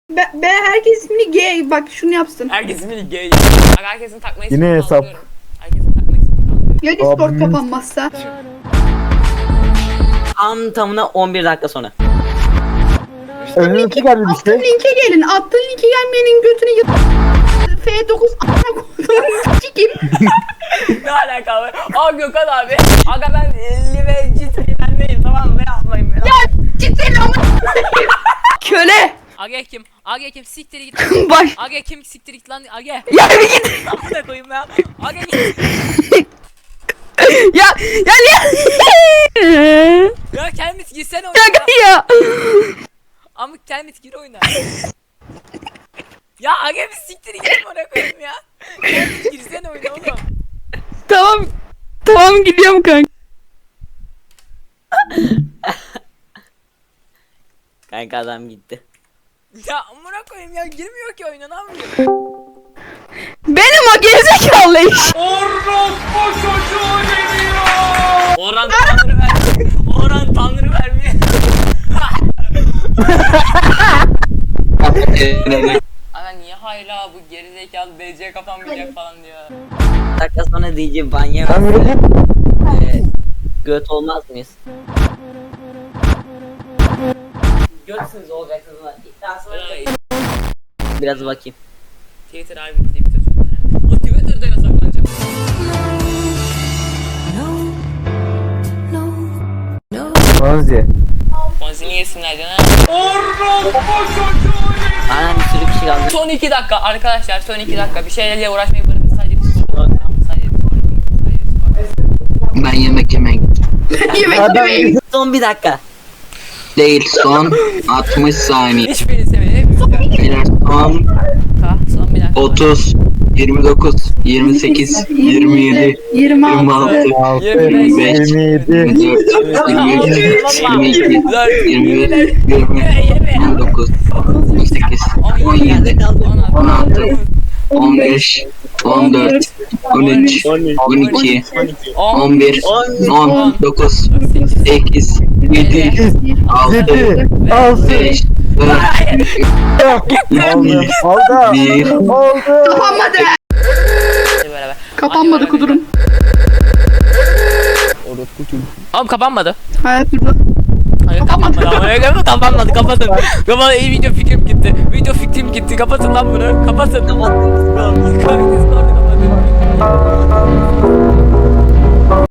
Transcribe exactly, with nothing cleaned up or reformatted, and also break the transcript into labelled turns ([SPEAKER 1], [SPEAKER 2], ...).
[SPEAKER 1] Be, be herkes ismini G bak şunu yapsın.
[SPEAKER 2] Herkes ismini gay. Bak herkesin takma ismini
[SPEAKER 3] Yine hesap.
[SPEAKER 2] kaldırıyorum. Herkesin takma ismini kaldırıyorum.
[SPEAKER 1] Ya Discord
[SPEAKER 3] Abimiz-
[SPEAKER 1] kapanmazsa.
[SPEAKER 4] Tam tamına on bir dakika sonra.
[SPEAKER 3] Önüne çıkar bir
[SPEAKER 1] Attığın
[SPEAKER 3] şey.
[SPEAKER 1] linke gelin. Attığın linke gelmeyenin götünü yıt. F dokuz a**a koyduğum kim?
[SPEAKER 2] Ne alaka var? Aa Gökhan abi. Aga ben elli ve citriyendeyim tamam mı? Ben yapmayın beni.
[SPEAKER 1] Ya cidden ama. Köle.
[SPEAKER 2] Aga kim? Aga kim? Siktir git.
[SPEAKER 1] Baş.
[SPEAKER 2] Aga kim? Siktir git lan. Aga.
[SPEAKER 1] Ya bir git.
[SPEAKER 2] Amına koyayım ya. Aga git.
[SPEAKER 1] Ya ya ya.
[SPEAKER 2] Ya Kelmis girsene oyuna.
[SPEAKER 1] Ya ya.
[SPEAKER 2] Amık Kelmis gir oyuna. Ya Aga bir siktir git bana koyayım ya. Kelmis girsene oyuna oğlum.
[SPEAKER 1] Tamam. Tamam gidiyorum kanka.
[SPEAKER 4] Kanka adam gitti.
[SPEAKER 2] Ya amına koyayım ya girmiyor ki oyuna ne yapayım?
[SPEAKER 1] Benim o gerizekalı iş.
[SPEAKER 2] Orhan Tanrı ver. Orhan Tanrı vermiyor. Aga niye hala bu gerizekalı D C kapanmayacak falan diyor.
[SPEAKER 4] Dakika sonra diyeceğim banyo.
[SPEAKER 3] Ben böyle git.
[SPEAKER 4] Ee, göt olmaz mıyız? Götsünüz olacaksınız lan. Daha sonra
[SPEAKER 2] Ay,
[SPEAKER 4] biraz bakayım.
[SPEAKER 2] Twitter abi Twitter çok önemli. O Twitter'da yasaklanacak.
[SPEAKER 3] Manzi.
[SPEAKER 2] Konzini yesinler canım.
[SPEAKER 4] Aynen bir sürü kişi kaldı.
[SPEAKER 2] Son iki dakika arkadaşlar son iki dakika bir şeylerle uğraşmayı bırakın sadece Discord. Tamam, sadece Discord. Sadece Discord.
[SPEAKER 5] Ben yemek yemek
[SPEAKER 1] Yemek
[SPEAKER 3] Adam
[SPEAKER 1] yemeyin.
[SPEAKER 4] Son bir dakika.
[SPEAKER 5] değil son altmış saniye.
[SPEAKER 2] Hiçbirini sevmedim. Hepimiz
[SPEAKER 5] Beyler son
[SPEAKER 2] Ka, son bir dakika.
[SPEAKER 5] otuz, yirmi dokuz, yirmi sekiz, yirmi yedi,
[SPEAKER 1] yirmi
[SPEAKER 5] yirmi
[SPEAKER 1] altı.
[SPEAKER 5] altı,
[SPEAKER 3] altı,
[SPEAKER 2] Yirmi beş.
[SPEAKER 3] yirmi yedi.
[SPEAKER 5] yirmi üç, yirmi iki, yirmi bir, yirmi, yirmi dokuz, on sekiz, on yedi, on altı, on beş, on dört, on üç, on iki, on bir, on dokuz, sekiz, yedi, altı,
[SPEAKER 3] Yedi. Altı.
[SPEAKER 5] beş, dört,
[SPEAKER 3] Aldı. Aldı.
[SPEAKER 5] bir.
[SPEAKER 3] Oldu.
[SPEAKER 1] Kapanmadı.
[SPEAKER 2] Beraber.
[SPEAKER 1] Kapanmadı
[SPEAKER 2] Hadi
[SPEAKER 1] kudurum.
[SPEAKER 2] Oğlum kapanmadı.
[SPEAKER 1] Hayat durdu.
[SPEAKER 2] Hayır kapanmadı ama kapanmadı kapanmadı kapatın. Kapat iyi video fikrim gitti. Video fikrim gitti. Kapatın lan bunu. Kapatın.
[SPEAKER 4] Kapattım.
[SPEAKER 2] Discord'u kapatın.